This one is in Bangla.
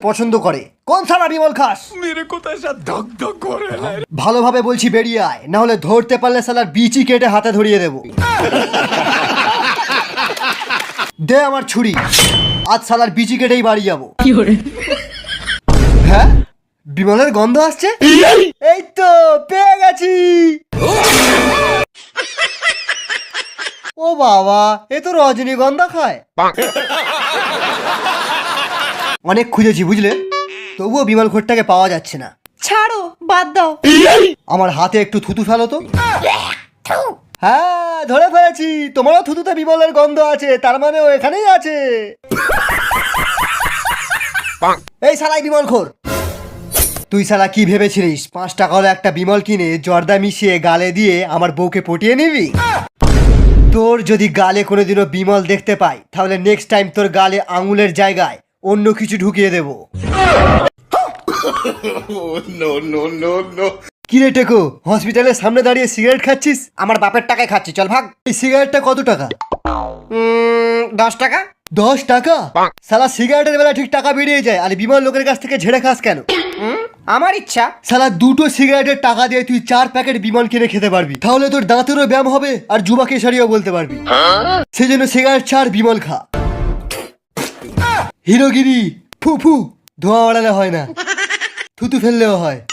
পছন্দ করে। কোন সালা বিমল খাস? ভালোভাবে বলছি বেরিয়ে আয়, না হলে ধরতে পারলে সালার বিচি কেটে হাতে ধরিয়ে দেবো। দে আমার ছুরি, আজ সালার বিচি কেটেই বাড়ি যাবো। হ্যাঁ, বিমলের গন্ধ আসছে। এই তো পেয়ে গেছি। ও বাবা, এ তো রজনীগন্ধা খায়। অনেক খুঁজেছি বুঝলে, তবুও বিমল ঘোরটাকে পাওয়া যাচ্ছে না। ছাড়ো, বাদ দাও। আমার হাতে একটু থুতু ফেলো তো। হ্যাঁ, ধরে ফেলেছি, তোমারও থুতুতে বিমলের গন্ধ আছে, তার মানে ও এখানেই আছে। এই শালাই বিমল খোর, তুই শালা কি ভেবেছিলিস 5 টাকার একটা বিমল কিনে জর্দা মিশিয়ে গালে দিয়ে আমার বউকে পটিয়ে নিবি? তোর যদি গালে কোনোদিনও বিমল দেখতে পাই, তাহলে নেক্সট টাইম তোর গালে আঙুলের জায়গায় অন্য কিছু ঢুকিয়ে দেব। কি রে টেকো, হসপিটালের সামনে দাঁড়িয়ে সিগারেট খাচ্ছিস? আমার বাপের টাকায় খাচ্ছি, চল ভাগ। এই সিগারেটটা কত টাকা? 10 টাকা। 10 টাকা? শালা সিগারেটের বেলা ঠিক টাকা বেরিয়ে যায়, আর বিমল লোকের কাছ থেকে ঝেড়ে খাস কেন? আমার ইচ্ছা। শালা 2টো সিগারেটের টাকা দিয়ে তুই 4 প্যাকেট বিমল কিনে খেতে পারবি, তাহলে তোর দাঁতেরও ব্যায়াম হবে আর যুবাকে সারিও বলতে পারবি। সেই জন্য সিগারেট ছাড়, বিমল খা। হিরোগিরি ফু ফু, ধোঁয়া ওড়ালে হয় না, থুতু ফেললেও হয়।